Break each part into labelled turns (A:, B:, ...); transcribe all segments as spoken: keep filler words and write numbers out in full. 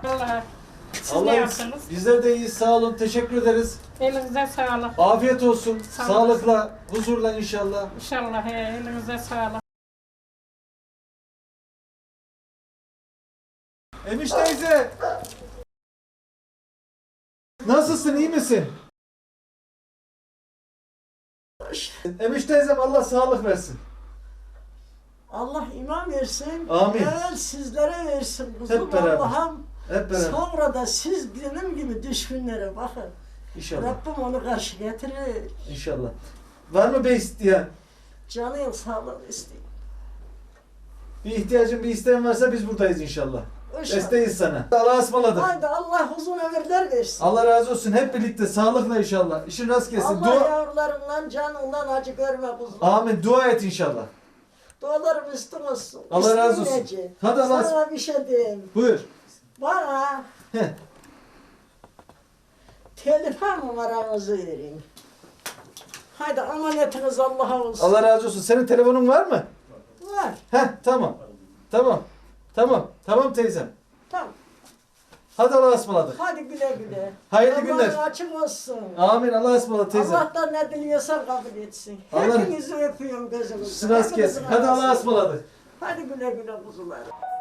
A: Vallahi. Siz
B: Allah
A: ne yaptınız?
B: bizler de iyiyiz, sağ olun, teşekkür ederiz.
A: Elinize sağlık.
B: Afiyet olsun,
A: Sağ
B: sağlıkla, huzurla inşallah.
A: İnşallah he, elinize sağlık.
B: Emiş teyze! Nasılsın, iyi misin? Emiş teyzem Allah sağlık versin.
C: Allah iman versin.
B: Amin.
C: Evvel sizlere versin kuzum.
B: Hep beraber.
C: Allah'ım.
B: Hep beraber.
C: Sonra da siz benim gibi düşkünlere bakın.
B: İnşallah.
C: Rabbim onu karşı getirir.
B: İnşallah. Var mı bey isteyen?
C: Canın sağlığı isteyeyim.
B: Bir ihtiyacın, bir isteğin varsa biz buradayız inşallah.
C: İnşallah.
B: Desteğiz sana. Allah'a ısmarladık.
C: Haydi Allah uzun ömürler versin.
B: Allah razı olsun. Hep birlikte sağlıkla inşallah. İşin rast gelsin.
C: Allah
B: Dua...
C: yavrularından, canından acı görme kuzum.
B: Amin. Dua et inşallah.
C: Dualarım üstün olsun.
B: Allah razı olsun.
C: İsteyince.
B: Hadi Allah-
C: Sana bir şey diyeyim.
B: Buyur.
C: Bana
B: Heh.
C: telefon numaranızı verin. Haydi amanetiniz Allah'a olsun.
B: Allah razı olsun. Senin telefonun var mı?
C: Var.
B: Heh, tamam. Tamam. Tamam. Tamam teyzem.
C: Tamam.
B: Hadi Allah'a ısmarladık.
C: Hadi güle güle.
B: Hayırlı
C: Allah'ın
B: günler.
C: açık olsun.
B: Amin. Allah'a ısmarladık teyzem.
C: Allah'tan ne diliyorsan kabul etsin.
B: Allah-
C: Hepinizi öpüyorum gözümüzden.
B: Sırası gelsin.
C: Hepinizin
B: Hadi Allah'a
C: arasında.
B: ısmarladık.
C: Hadi güle güle kuzular.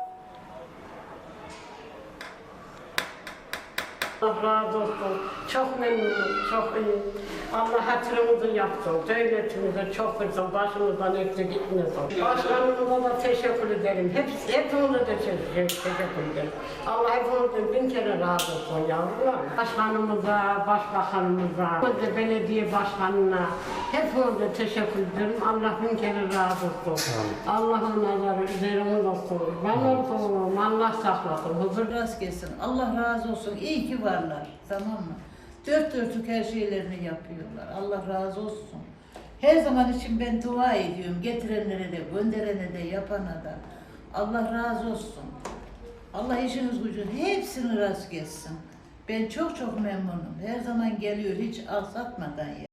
A: Allah razı olsun. Çok memnunum, çok iyi. Allah hatırımızı yapsın. Devletimize çok versin. Başımızdan eksik gitmesin. Başkanımıza da teşekkür ederim. Hepsi, hepimize de teşekkür, teşekkür ederim. Allah hepimizden bin kere razı olsun yavrular. Başkanımıza, başbakanımıza, de belediye başkanına hepimize teşekkür ederim. Allah bin kere razı olsun. Allah'ın nazarı üzerimiz olsun. Ben olsun. Allah saklasın. Huzur
D: Rast gelsin. Allah razı olsun. İyi ki varlar. Tamam mı? Dört dörtlük her şeylerini yapıyorlar. Allah razı olsun. Her zaman için ben dua ediyorum. Getirenlere de, gönderene de, yapana da. Allah razı olsun. Allah işiniz gücün hepsini rast gelsin. Ben çok çok memnunum. Her zaman geliyor hiç aksatmadan ya.